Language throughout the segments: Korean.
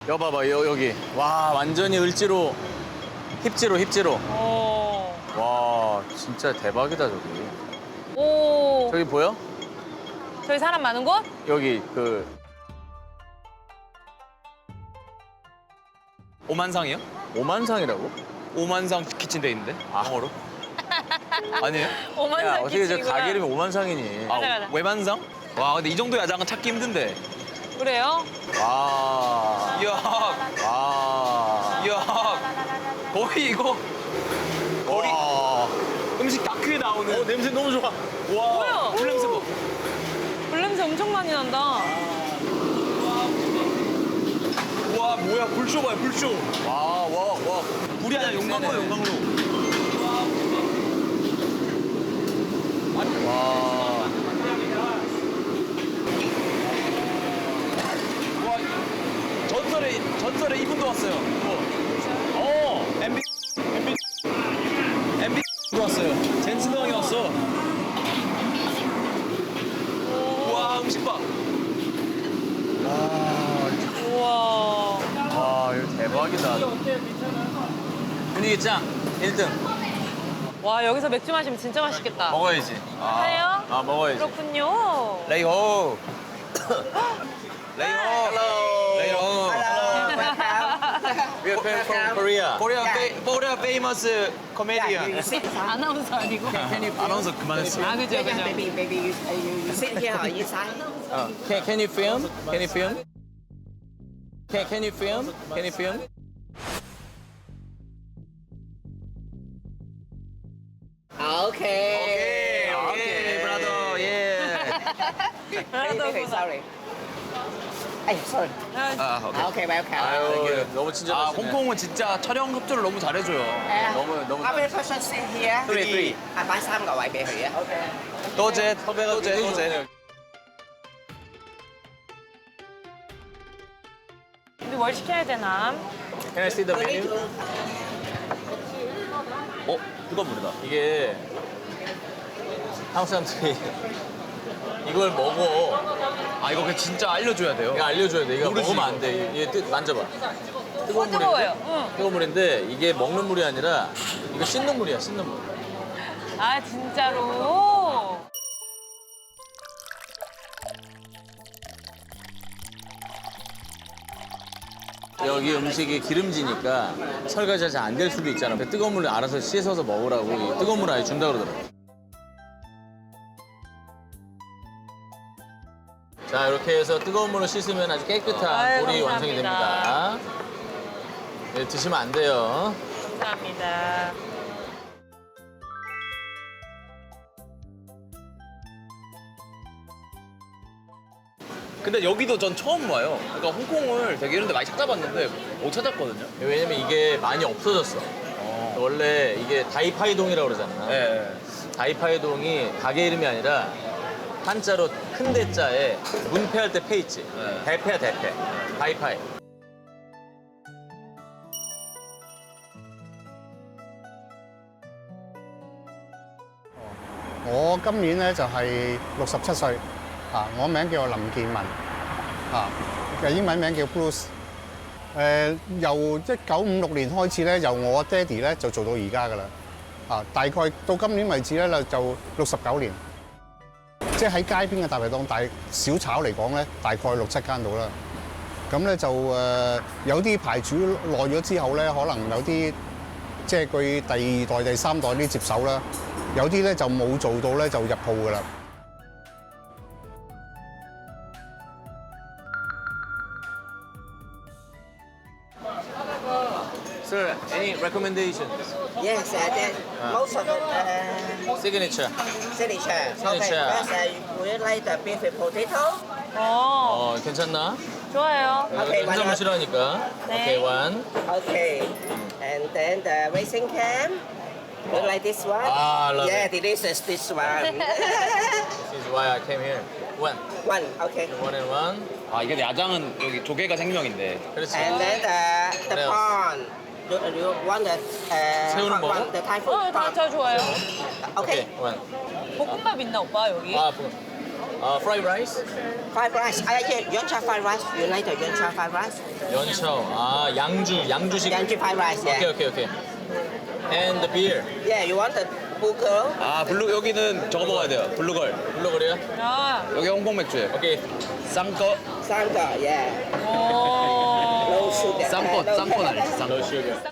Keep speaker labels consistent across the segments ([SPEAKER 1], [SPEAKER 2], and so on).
[SPEAKER 1] 여기 봐봐, 여기. 와, 완전히 을지로, 힙지로. 와, 진짜 대박이다, 저기.
[SPEAKER 2] 오.
[SPEAKER 1] 저기 보여?
[SPEAKER 2] 저기 사람 많은 곳?
[SPEAKER 1] 여기
[SPEAKER 3] 오만상이요?
[SPEAKER 1] 오만상이라고?
[SPEAKER 3] 오만상 키친데 있는데? 영어로? 아니에요?
[SPEAKER 1] 야,
[SPEAKER 2] 오만상
[SPEAKER 1] 어떻게 저
[SPEAKER 2] 키친이구나.
[SPEAKER 1] 가게 이름이 오만상이니?
[SPEAKER 2] 가자.
[SPEAKER 3] 외만상? 와 근데 이 정도 야장은 찾기 힘든데.
[SPEAKER 2] 그래요?
[SPEAKER 1] 와,
[SPEAKER 3] 이야,
[SPEAKER 1] 와.
[SPEAKER 3] 이야, 거의 이거
[SPEAKER 1] 와.
[SPEAKER 3] 음식 다큐에 나오는.
[SPEAKER 1] 냄새 너무 좋아.
[SPEAKER 3] 와,
[SPEAKER 2] 뭐야?
[SPEAKER 3] 불냄새 봐.
[SPEAKER 2] 불냄새 엄청 많이 난다.
[SPEAKER 3] 와 뭐야 불쇼 봐요 불쇼.
[SPEAKER 1] 와.
[SPEAKER 3] 불이 아니라 용광로 용광로.
[SPEAKER 1] 와.
[SPEAKER 3] 와 전설의 이분도 왔어요. MB 왔어요. 젠슨 형이 왔어. 와 음식 봐.
[SPEAKER 2] 우와.
[SPEAKER 1] 와, 이거 대박이다. 분위기 짱. 1등.
[SPEAKER 2] 와, 여기서 맥주 마시면 진짜 맛있겠다.
[SPEAKER 1] 먹어야지.
[SPEAKER 2] 해요?
[SPEAKER 1] 아, 먹어야지.
[SPEAKER 2] 그렇군요.
[SPEAKER 3] 레이호. 레이호. 레이호.
[SPEAKER 1] We are from Korea.
[SPEAKER 3] Korea famous comedian.
[SPEAKER 2] 아나운서 아니고.
[SPEAKER 3] 아나운서 그만했어.
[SPEAKER 2] 아, 그죠.
[SPEAKER 4] Maybe you sit here or inside.
[SPEAKER 1] Can you film? Can you film? Can you film? Can you film?
[SPEAKER 4] Okay.
[SPEAKER 3] 오케이, brother. 예.
[SPEAKER 4] Okay, sorry. Hey, sorry.
[SPEAKER 3] 아, 오케이.
[SPEAKER 4] Okay, welcome.
[SPEAKER 1] 아유, 너무
[SPEAKER 3] 아,
[SPEAKER 1] 친절하시네.
[SPEAKER 3] 홍콩은 진짜 촬영 협조를 너무 잘해줘요.
[SPEAKER 1] 너무.
[SPEAKER 4] How many persons sit here?
[SPEAKER 1] Three.
[SPEAKER 4] Bán 3 個位俾佢啊。Okay.
[SPEAKER 3] 또제,
[SPEAKER 1] 섭외가
[SPEAKER 3] 또제,
[SPEAKER 1] 되게
[SPEAKER 3] 또제.
[SPEAKER 1] 좋네요.
[SPEAKER 2] 우리 뭘 시켜야 되나?
[SPEAKER 1] Can I see the menu?
[SPEAKER 3] 그거 모르다.
[SPEAKER 1] 이게 한국 사람들이 이걸 먹어.
[SPEAKER 3] 아, 이거 그냥 진짜 알려줘야 돼요.
[SPEAKER 1] 이거 알려줘야 돼. 이거
[SPEAKER 3] 모르지,
[SPEAKER 1] 먹으면
[SPEAKER 3] 이거.
[SPEAKER 1] 안 돼. 이게 만져봐. 뜨거운
[SPEAKER 2] 뜨거워요.
[SPEAKER 1] 물인데?
[SPEAKER 2] 응.
[SPEAKER 1] 뜨거운 물인데 이게 먹는 물이 아니라 이거 씻는 물이야, 씻는 물.
[SPEAKER 2] 아, 진짜로?
[SPEAKER 1] 여기 음식이 기름지니까 설거지가 잘 안 될 수도 있잖아. 근데 뜨거운 물을 알아서 씻어서 먹으라고 이 뜨거운 물 아예 준다 그러더라고. 자, 이렇게 해서 뜨거운 물로 씻으면 아주 깨끗한
[SPEAKER 2] 아유,
[SPEAKER 1] 볼이 완성이
[SPEAKER 2] 감사합니다.
[SPEAKER 1] 됩니다. 네, 드시면 안 돼요.
[SPEAKER 2] 감사합니다.
[SPEAKER 3] 근데 여기도 전 처음 와요. 그러니까 홍콩을 되게 이런 데 많이 찾아봤는데 못 찾았거든요.
[SPEAKER 1] 왜냐면 이게 많이 없어졌어. 원래 이게 다이파이동이라고 그러잖아.
[SPEAKER 3] 네.
[SPEAKER 1] 다이파이동이 가게 이름이 아니라 한자로 큰 대자에 문패할 때 패 있지.
[SPEAKER 3] 네.
[SPEAKER 1] 대패야 대패. 다이파이.
[SPEAKER 5] 我今年咧就係67歲，我名叫林建文，嘅英文名叫 Bruce。由1956年開始咧，由我爹哋咧就做到而家噶啦，大概到今年為止咧就69年。即係喺街邊嘅大排檔大小炒嚟講咧，大概6、7間到啦。咁咧就有啲牌主耐咗之後咧，可能有啲即係佢第二代、第三代啲接手啦。有啲咧就冇做到咧就入鋪噶啦。
[SPEAKER 1] Sir, any recommendations?
[SPEAKER 4] Yes, most of the
[SPEAKER 1] Signature.
[SPEAKER 4] signature. Okay,
[SPEAKER 1] Signature.
[SPEAKER 4] first, would you like the beef with potato?
[SPEAKER 1] 괜찮나?
[SPEAKER 2] 좋아요.
[SPEAKER 4] 오케이,
[SPEAKER 1] 한잔
[SPEAKER 4] 맞아.
[SPEAKER 1] 마시라니까.
[SPEAKER 2] 네.
[SPEAKER 1] 오케이, one.
[SPEAKER 4] Okay. And then the racing cam. You like this one?
[SPEAKER 1] I love
[SPEAKER 4] yeah,
[SPEAKER 1] it.
[SPEAKER 4] delicious this one.
[SPEAKER 1] This is why I came here. One.
[SPEAKER 4] One, okay.
[SPEAKER 1] One and one.
[SPEAKER 3] 아, 이게 야장은 여기 조개가 생명인데.
[SPEAKER 1] 그렇지.
[SPEAKER 4] And then the
[SPEAKER 1] What else?
[SPEAKER 4] prawn. You want the
[SPEAKER 1] 새우는
[SPEAKER 4] hot
[SPEAKER 1] 먹어?
[SPEAKER 4] one, the Thai food
[SPEAKER 2] 다
[SPEAKER 4] prawn.
[SPEAKER 2] 좋아요.
[SPEAKER 4] Okay.
[SPEAKER 1] 오케이, one.
[SPEAKER 2] 볶음밥 있나, 오빠, 여기?
[SPEAKER 1] 아, 뭐.
[SPEAKER 3] 프라이 라이스?
[SPEAKER 4] Fried rice. Yeoncha fried rice. You like the Yeoncha fried rice?
[SPEAKER 1] 연차오. 아, 양주식.
[SPEAKER 4] Yeoncha fried rice. Yeah.
[SPEAKER 1] 오케이. And the beer.
[SPEAKER 4] Yeah. You want the burger?
[SPEAKER 3] 아, 블루 여기는 저거 먹어야 돼요. 블루걸.
[SPEAKER 1] 블루거리야?
[SPEAKER 2] 아,
[SPEAKER 3] 여기 홍콩 맥주예요.
[SPEAKER 1] 오케이.
[SPEAKER 3] 쌍꺼.
[SPEAKER 4] Sangka. Yeah.
[SPEAKER 2] 오.
[SPEAKER 4] No sugar.
[SPEAKER 3] 쌍꺼,
[SPEAKER 4] No
[SPEAKER 3] 쌍꺼
[SPEAKER 4] sugar.
[SPEAKER 3] 알지? 쌍꺼.
[SPEAKER 1] 너 시간.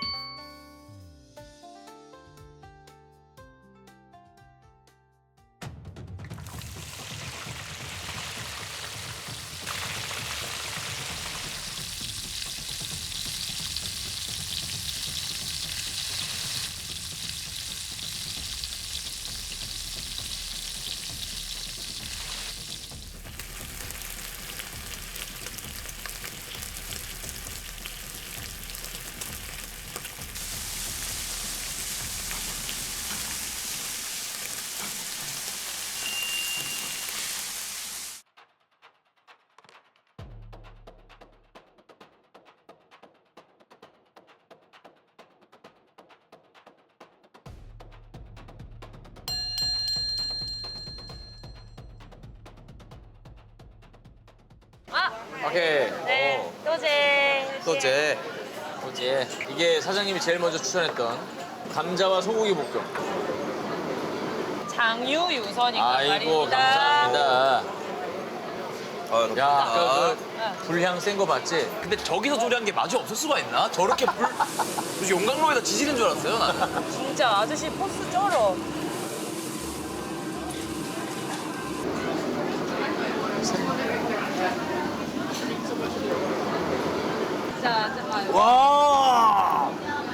[SPEAKER 2] 아,
[SPEAKER 1] 오케이.
[SPEAKER 2] 네. 또제.
[SPEAKER 3] 또제.
[SPEAKER 1] 뭐지? 이게 사장님이 제일 먼저 추천했던 감자와 소고기 볶음.
[SPEAKER 2] 장유유선인가
[SPEAKER 1] 아이고,
[SPEAKER 2] 말입니다.
[SPEAKER 1] 감사합니다. 야, 아까
[SPEAKER 2] 응.
[SPEAKER 1] 그 불향 센 거 봤지?
[SPEAKER 3] 근데 저기서 조리한 게 맛이 없을 수가 있나? 저렇게 무슨 용광로에다 지지는 줄 알았어요, 나는.
[SPEAKER 2] 진짜 아저씨 포스 쩔어. 자, 잠깐.
[SPEAKER 3] 와!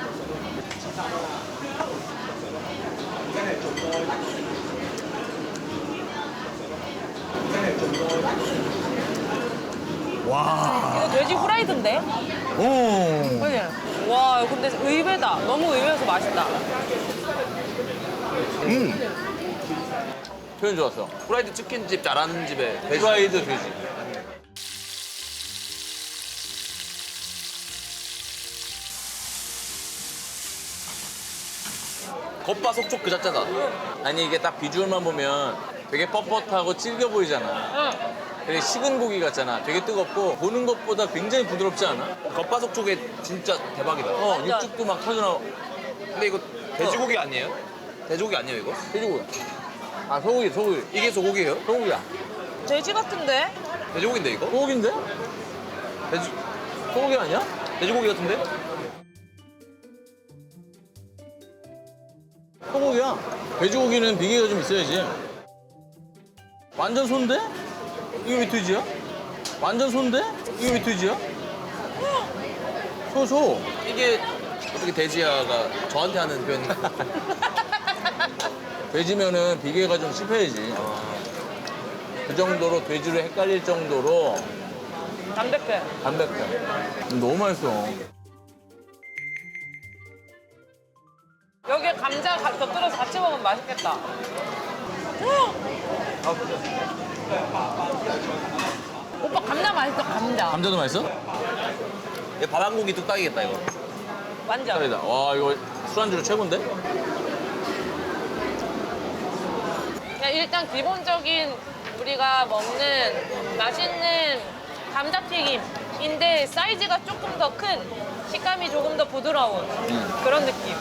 [SPEAKER 3] 와.
[SPEAKER 2] 이거 돼지 후라이드인데?
[SPEAKER 3] 오.
[SPEAKER 2] 그지? 와, 근데 의외다. 너무 의외여서 맛있다.
[SPEAKER 1] 표현 좋았어.
[SPEAKER 3] 프라이드 치킨집 잘하는 집에
[SPEAKER 1] 프라이드 돼지.
[SPEAKER 3] 겉바속촉 그 자체다.
[SPEAKER 1] 아니 이게 딱 비주얼만 보면 되게 뻣뻣하고 질겨 보이잖아.
[SPEAKER 2] 응.
[SPEAKER 1] 되게 식은 고기 같잖아. 되게 뜨겁고 보는 것보다 굉장히 부드럽지 않아?
[SPEAKER 3] 겉바속촉에 진짜 대박이다.
[SPEAKER 1] 어, 육즙도 막 터져나와.
[SPEAKER 3] 근데 이거 돼지고기 아니에요? 돼지고기 아니에요, 이거?
[SPEAKER 1] 돼지고기. 아, 소고기.
[SPEAKER 3] 이게 소고기예요?
[SPEAKER 1] 소고기야.
[SPEAKER 2] 돼지 같은데?
[SPEAKER 3] 돼지고기인데 이거?
[SPEAKER 1] 소고기인데?
[SPEAKER 3] 돼지
[SPEAKER 1] 소고기 아니야?
[SPEAKER 3] 돼지고기 같은데?
[SPEAKER 1] 소고기야. 돼지고기는 비계가 좀 있어야지. 완전 손데? 이거 왜 돼지야? 완전 손데? 이거 왜 돼지야? 소.
[SPEAKER 3] 이게 어떻게 돼지야가 저한테 하는 표현인가?
[SPEAKER 1] 돼지면은 비계가 좀 씹혀야지. 그 정도로 돼지로 헷갈릴 정도로
[SPEAKER 2] 담백해.
[SPEAKER 1] 담백해. 너무 맛있어.
[SPEAKER 2] 여기에 감자 곁들여서 같이 먹으면 맛있겠다. 오빠 감자 맛있어, 감자.
[SPEAKER 1] 감자도 맛있어?
[SPEAKER 3] 이거 밥 한 공기 뚝딱이겠다 이거.
[SPEAKER 2] 완전.
[SPEAKER 1] 짜리다. 와, 이거 술안주로 최고인데?
[SPEAKER 2] 그냥 일단 기본적인 우리가 먹는 맛있는 감자튀김인데 사이즈가 조금 더 큰, 식감이 조금 더 부드러운 그런 느낌.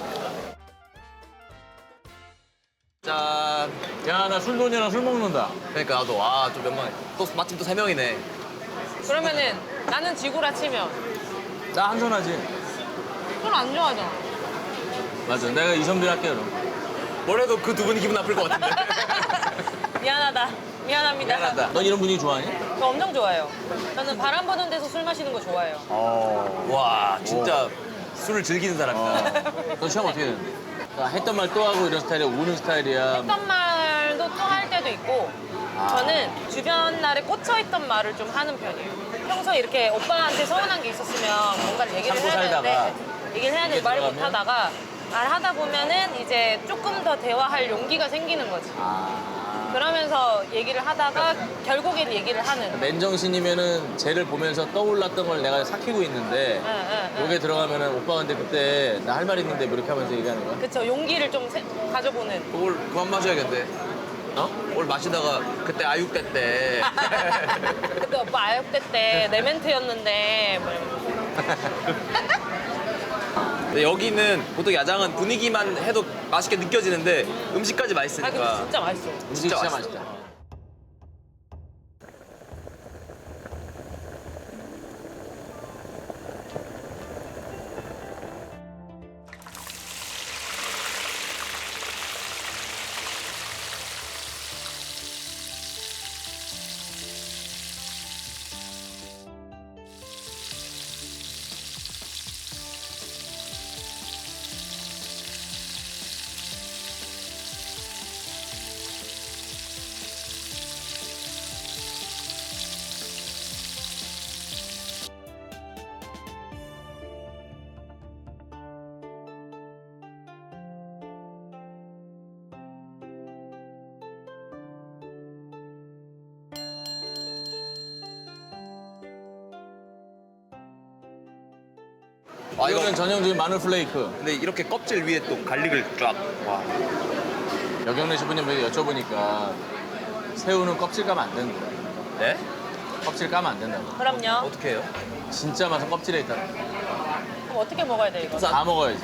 [SPEAKER 3] 짠.
[SPEAKER 1] 야, 나 술돈이랑 술 먹는다.
[SPEAKER 3] 그러니까 나도 좀 명망해. 또 마침 또 3명이네.
[SPEAKER 2] 그러면은 나는 지구라 치면
[SPEAKER 1] 나 한손하지.
[SPEAKER 2] 술 안 좋아하잖아.
[SPEAKER 1] 맞아. 내가 이성빈 할게, 그럼.
[SPEAKER 3] 뭐래도 그 두 분이 기분 나쁠 것 같은데.
[SPEAKER 2] 미안합니다.
[SPEAKER 1] 미안하다. 넌 이런 분위기 좋아하니?
[SPEAKER 2] 저 엄청 좋아해요. 저는 바람 부는 데서 술 마시는 거 좋아해요.
[SPEAKER 3] 와, 진짜 술을 즐기는 사람이다.
[SPEAKER 1] 너 시험 어떻게 되는데? 했던 말 또 하고 이런 스타일이야? 우는 스타일이야?
[SPEAKER 2] 했던 말도 또 할 때도 있고 저는 주변 날에 꽂혀있던 말을 좀 하는 편이에요. 평소에 이렇게 오빠한테 서운한 게 있으면 뭔가를 얘기를
[SPEAKER 1] 참고
[SPEAKER 2] 해야 되는데
[SPEAKER 1] 살다가
[SPEAKER 2] 얘기를 해야 되는데
[SPEAKER 1] 이게
[SPEAKER 2] 말을
[SPEAKER 1] 들어가면?
[SPEAKER 2] 못하다가 말하다 보면은 이제 조금 더 대화할 용기가 생기는 거지. 그러면서 얘기를 하다가 결국엔 얘기를 하는.
[SPEAKER 1] 맨정신이면은 쟤를 보면서 떠올랐던 걸 내가 삭히고 있는데
[SPEAKER 2] 응.
[SPEAKER 1] 여기에 들어가면은 오빠 근데 그때 나 할 말 있는데 뭐 이렇게 하면서 얘기하는 거야?
[SPEAKER 2] 그쵸, 용기를 좀 가져보는.
[SPEAKER 3] 그걸 그만 마셔야겠는데. 어? 오늘 마시다가 그때 아육대 때
[SPEAKER 2] 그때 오빠 아역대 때 내 멘트였는데 뭐 이러면서.
[SPEAKER 3] 근데 여기는 보통 야장은 분위기만 해도 맛있게 느껴지는데 음식까지
[SPEAKER 2] 아 근데
[SPEAKER 3] 맛있으니까
[SPEAKER 2] 진짜 맛있어.
[SPEAKER 1] 진짜
[SPEAKER 3] 맛있어.
[SPEAKER 1] 맛있다.
[SPEAKER 3] 아, 이거
[SPEAKER 1] 이거는 전형적인 마늘 플레이크.
[SPEAKER 3] 근데 이렇게 껍질 위에 또 갈릭을 쫙. 와.
[SPEAKER 1] 여경래 셰프님에게 여쭤보니까 새우는 껍질 까면 안 된다.
[SPEAKER 3] 네?
[SPEAKER 1] 껍질 까면 안 된다고.
[SPEAKER 2] 그럼요.
[SPEAKER 3] 어떻게 해요?
[SPEAKER 1] 진짜 맛은 껍질에 있다.
[SPEAKER 2] 그럼 어떻게 먹어야 돼 이거?
[SPEAKER 1] 다 먹어야지.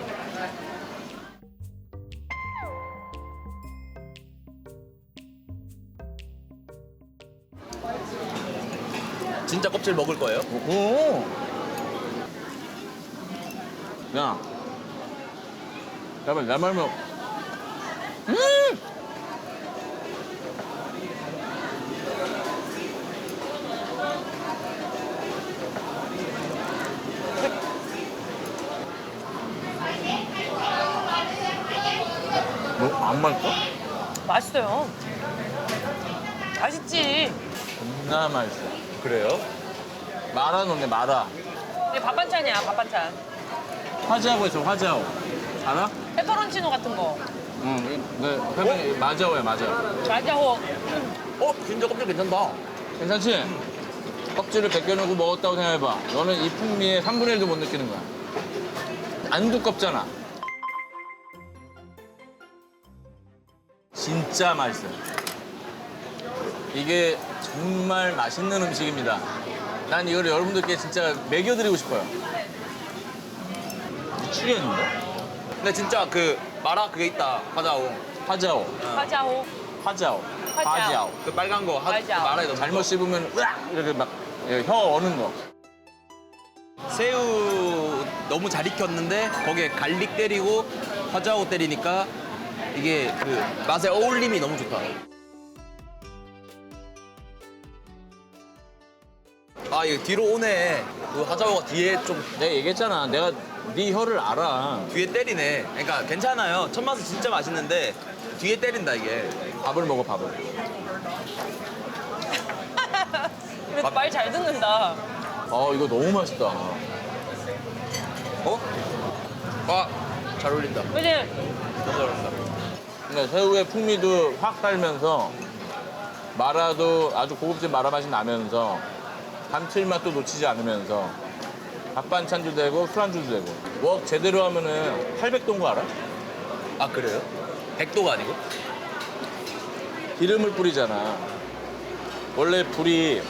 [SPEAKER 3] 진짜 껍질 먹을 거예요?
[SPEAKER 1] 오. 야. 잠깐만, 내 말면. 뭐, 안 맛있어?
[SPEAKER 2] 맛있어요. 맛있지.
[SPEAKER 1] 존나 맛있어.
[SPEAKER 3] 그래요?
[SPEAKER 1] 마라 넣네, 마라.
[SPEAKER 2] 이게 밥 반찬이야 밥 반찬.
[SPEAKER 1] 화자오 있어, 화자오. 알아?
[SPEAKER 2] 페퍼론치노 같은 거.
[SPEAKER 1] 응, 네, 마자오야, 마자오.
[SPEAKER 2] 말자호.
[SPEAKER 3] 어? 진짜 껍질 괜찮다.
[SPEAKER 1] 괜찮지? 껍질을 벗겨놓고 먹었다고 생각해봐. 너는 이 풍미의 3분의 1도 못 느끼는 거야. 안 두껍잖아. 진짜 맛있어요. 이게 정말 맛있는 음식입니다. 난 이걸 여러분들께 진짜 먹여드리고 싶어요. 미치겠는데?
[SPEAKER 3] 근데 진짜 그 마라 그게 있다. 화자오.
[SPEAKER 1] 화자오.
[SPEAKER 2] 화자호.
[SPEAKER 1] 화자오.
[SPEAKER 2] 화자오.
[SPEAKER 1] 화자오.
[SPEAKER 3] 그 빨간 거
[SPEAKER 2] 화자오.
[SPEAKER 3] 마라에 넣어.
[SPEAKER 1] 잘못 씹으면 으악! 이렇게 막 혀 어는 거.
[SPEAKER 3] 새우 너무 잘 익혔는데 거기에 갈릭 때리고 화자오 때리니까 이게 그 맛의 어울림이 너무 좋다. 아 이거 뒤로 오네. 그 화자오가 뒤에 좀
[SPEAKER 1] 내가 얘기했잖아. 내가 네 혀를 알아.
[SPEAKER 3] 뒤에 때리네. 그러니까 괜찮아요. 첫 맛은 진짜 맛있는데 뒤에 때린다 이게.
[SPEAKER 1] 밥을 먹어, 밥을.
[SPEAKER 2] 말 잘 듣는다.
[SPEAKER 1] 이거 너무 맛있다.
[SPEAKER 3] 어? 아, 잘 어울린다.
[SPEAKER 2] 그지?
[SPEAKER 3] 너무 잘 어울린다.
[SPEAKER 1] 그러니까 새우의 풍미도 확 살면서 마라도 아주 고급진 마라 맛이 나면서 감칠맛도 놓치지 않으면서 밥 반찬도 되고 술안주도 되고 웍 제대로 하면은 800도인 거 알아?
[SPEAKER 3] 아 그래요? 100도가 아니고?
[SPEAKER 1] 기름을 뿌리잖아. 원래 불이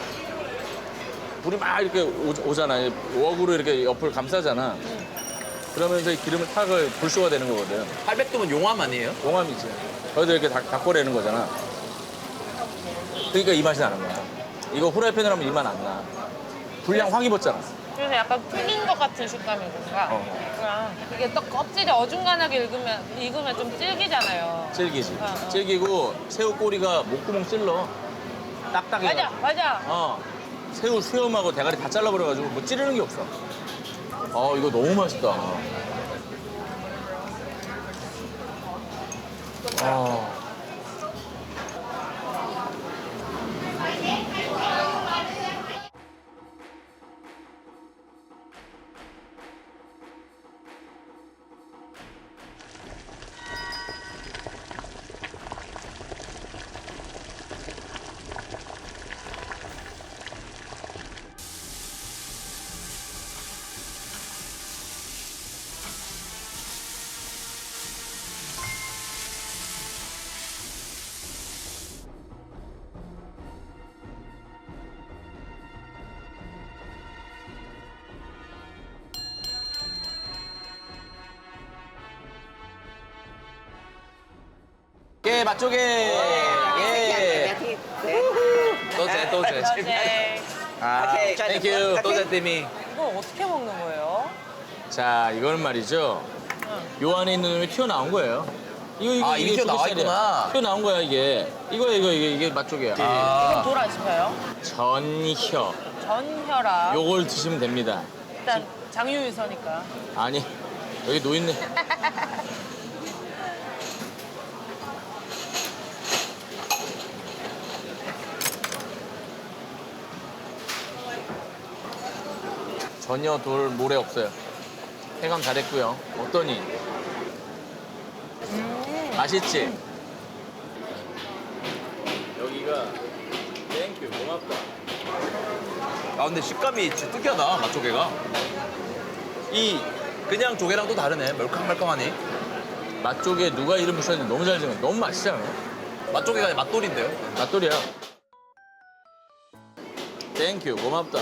[SPEAKER 1] 막 이렇게 오잖아. 웍으로 이렇게 옆을 감싸잖아. 그러면서 이 기름을 탁을 불쇼가 되는 거거든.
[SPEAKER 3] 800도면 용암 아니에요?
[SPEAKER 1] 용암이지. 거기서 이렇게 닦아내는 거잖아. 그러니까 이 맛이 나는 거야. 이거 후라이팬으로 하면 이 맛 안 나. 불량 확 입었잖아.
[SPEAKER 2] 그래서 약간 풀린 것 같은 식감이니까. 그냥 이게 또 껍질이 어중간하게 익으면 좀 질기잖아요.
[SPEAKER 1] 질기지.
[SPEAKER 2] 어.
[SPEAKER 1] 질기고 새우 꼬리가 목구멍 찔러. 딱딱해.
[SPEAKER 2] 맞아.
[SPEAKER 1] 새우 수염하고 대가리 다 잘라버려가지고 뭐 찌르는 게 없어. 이거 너무 맛있다.
[SPEAKER 3] 맛조개, 맛조개. 예. 또제, 또제.
[SPEAKER 2] 네.
[SPEAKER 3] 아,
[SPEAKER 4] 오케이, 자,
[SPEAKER 3] 땡큐. 또제
[SPEAKER 4] 오케이.
[SPEAKER 3] 띠미.
[SPEAKER 2] 이거 어떻게 먹는 거예요?
[SPEAKER 1] 자, 이거는 말이죠. 요 안에 있는 놈이 튀어나온 거예요.
[SPEAKER 3] 아, 이게 튀어나와
[SPEAKER 1] 조개살이야.
[SPEAKER 3] 있구나.
[SPEAKER 1] 튀어나온 거야, 이게. 이게 맛조개야.
[SPEAKER 2] 이건
[SPEAKER 3] 아,
[SPEAKER 2] 돌 안 씹혀요?
[SPEAKER 1] 전혀.
[SPEAKER 2] 전혈압.
[SPEAKER 1] 요걸 드시면 됩니다.
[SPEAKER 2] 일단 장유유서니까.
[SPEAKER 1] 아니, 여기 노있네. 전혀 돌 모래 없어요. 해감 잘했고요. 어떠니? 맛있지? 여기가 땡큐 고맙다.
[SPEAKER 3] 아 근데 식감이 진짜 특이하다, 맛조개가. 이 그냥 조개랑 또 다르네. 멀캉멀캉하니.
[SPEAKER 1] 맛조개 누가 이름 붙였는지 너무 잘 지은 너무 맛있지 않아요?
[SPEAKER 3] 맛조개가 아니라 맛돌인데요.
[SPEAKER 1] 맛돌이야. 땡큐 고맙다.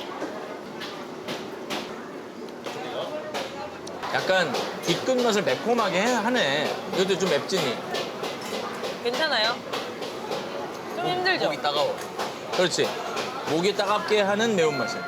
[SPEAKER 1] 약간 뒤끝맛을 매콤하게 하네. 이것도 좀 맵지니.
[SPEAKER 2] 괜찮아요? 좀 힘들죠?
[SPEAKER 3] 목이 따가워.
[SPEAKER 1] 그렇지. 목이 따갑게 하는 매운맛이야.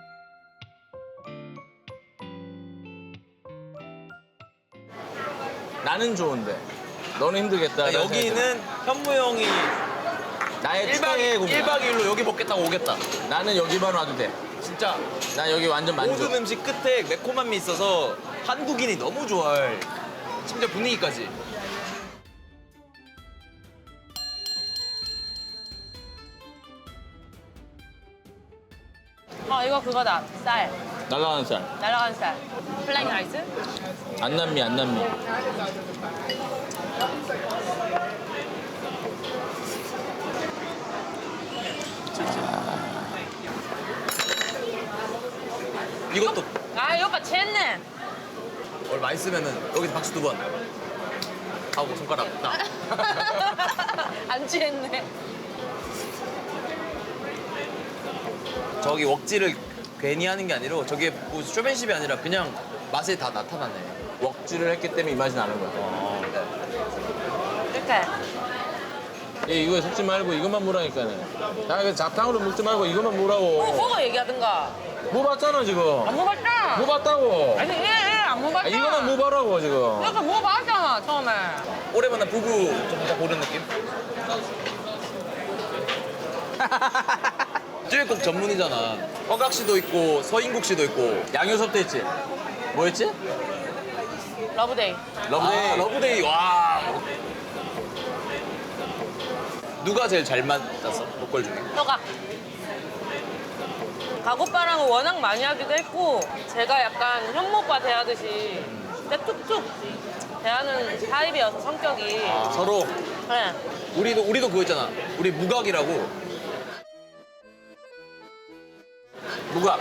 [SPEAKER 1] 나는 좋은데 너는 힘들겠다.
[SPEAKER 3] 그러니까 여기는 현무 형이
[SPEAKER 1] 나의
[SPEAKER 3] 1박
[SPEAKER 1] 최애 공간.
[SPEAKER 3] 1박 2일로 여기 먹겠다고 오겠다.
[SPEAKER 1] 나는 여기만 와도 돼.
[SPEAKER 3] 진짜
[SPEAKER 1] 나 여기 완전 만족.
[SPEAKER 3] 모든 음식 끝에 매콤함이 있어서 한국인이 너무 좋아할. 심지어 분위기까지.
[SPEAKER 2] 이거 그거다. 쌀.
[SPEAKER 1] 날라가는 살.
[SPEAKER 2] 날아간 쌀. 플라잉 라이스?
[SPEAKER 1] 안남미 안남미.
[SPEAKER 3] 이것도
[SPEAKER 2] 이 오빠 챘네.
[SPEAKER 3] 뭘 많이 쓰면은 여기서 박수 2번 하고 손가락 딱.
[SPEAKER 2] 안 취했네.
[SPEAKER 3] 저기 웍지를 괜히 하는 게 아니라 저게 뭐 쇼맨십이 아니라 그냥 맛에 다 나타나네.
[SPEAKER 1] 웍질을 했기 때문에 이 맛이 나는 거야.
[SPEAKER 2] 이렇게.
[SPEAKER 1] 얘 이거 섞지 말고 이것만 먹으라니까는. 야, 이거 잡탕으로 먹지 말고 이것만 먹으라고.
[SPEAKER 2] 그거 얘기하든가.
[SPEAKER 1] 먹어봤잖아 지금.
[SPEAKER 2] 안 먹었잖아.
[SPEAKER 1] 먹어봤다고.
[SPEAKER 2] 아니, 안 먹었잖아.
[SPEAKER 1] 이거만 먹어봐라고 지금.
[SPEAKER 2] 이렇게 먹어봤잖아, 처음에.
[SPEAKER 3] 오래 만난 부부 좀 살짝 고른 느낌? 찌개국 전문이잖아. 허각 씨도 있고 서인국 씨도 있고.
[SPEAKER 1] 양효섭도 있지. 뭐였지?
[SPEAKER 2] 러브데이.
[SPEAKER 1] 러브데이.
[SPEAKER 3] 아, 러브데이. 와. 누가 제일 잘 맞았어? 보컬 중에?
[SPEAKER 2] 너가. 가고빠랑은 워낙 많이 하기도 했고 제가 약간 현모과 대하듯이 진짜 툭툭 대하는 타입이어서 성격이.
[SPEAKER 1] 서로.
[SPEAKER 2] 그래.
[SPEAKER 3] 우리도 그거 있잖아. 우리 무각이라고.
[SPEAKER 1] 무각.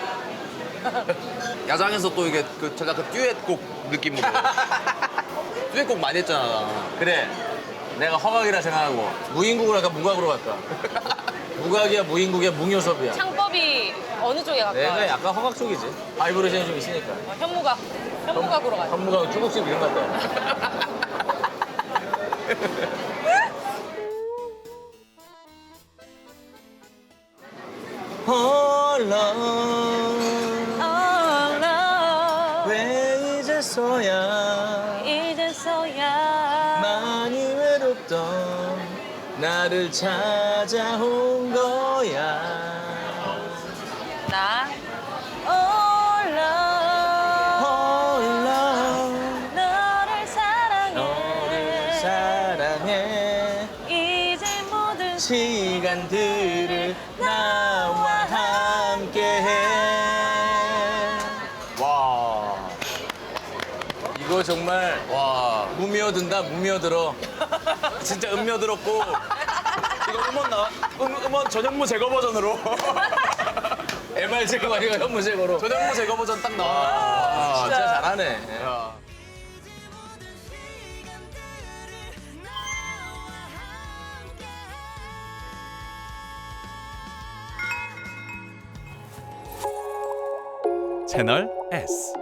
[SPEAKER 3] 야장에서 또 이게 그 제가 그 듀엣곡 느낌으로. 듀엣곡 많이 했잖아.
[SPEAKER 1] 그래. 내가 허각이라 생각하고 무인국으로 할까 무각으로 갈까? 무각이야 무인국이야 뭉효섭이야.
[SPEAKER 2] 창법이 어느 쪽에 가까워요?
[SPEAKER 1] 내가 약간 허각 쪽이지. 바이브레이션이 좀 있으니까.
[SPEAKER 2] 현무각. 현무각으로 가요.
[SPEAKER 1] 현무각 중국집 이런 것 같다. 홀로 왜 이제서야 많이 외롭던 나를 찾아온 거야.
[SPEAKER 2] 나
[SPEAKER 1] 홀로
[SPEAKER 2] 너를 사랑해.
[SPEAKER 1] 너를 사랑해.
[SPEAKER 2] 이제 모든
[SPEAKER 1] 시간들을 나와 함께해. 와, 이거 정말
[SPEAKER 3] 와.
[SPEAKER 1] 무미어든다 무미어들어.
[SPEAKER 3] 진짜 음료 들었고. 이거 음원 전현무 제거 버전으로.
[SPEAKER 1] MR 제거 아니가 현무 제거로.
[SPEAKER 3] 전현무 제거 버전 딱 나와.
[SPEAKER 1] 아, 진짜 잘하네.
[SPEAKER 3] 야.
[SPEAKER 6] 채널 S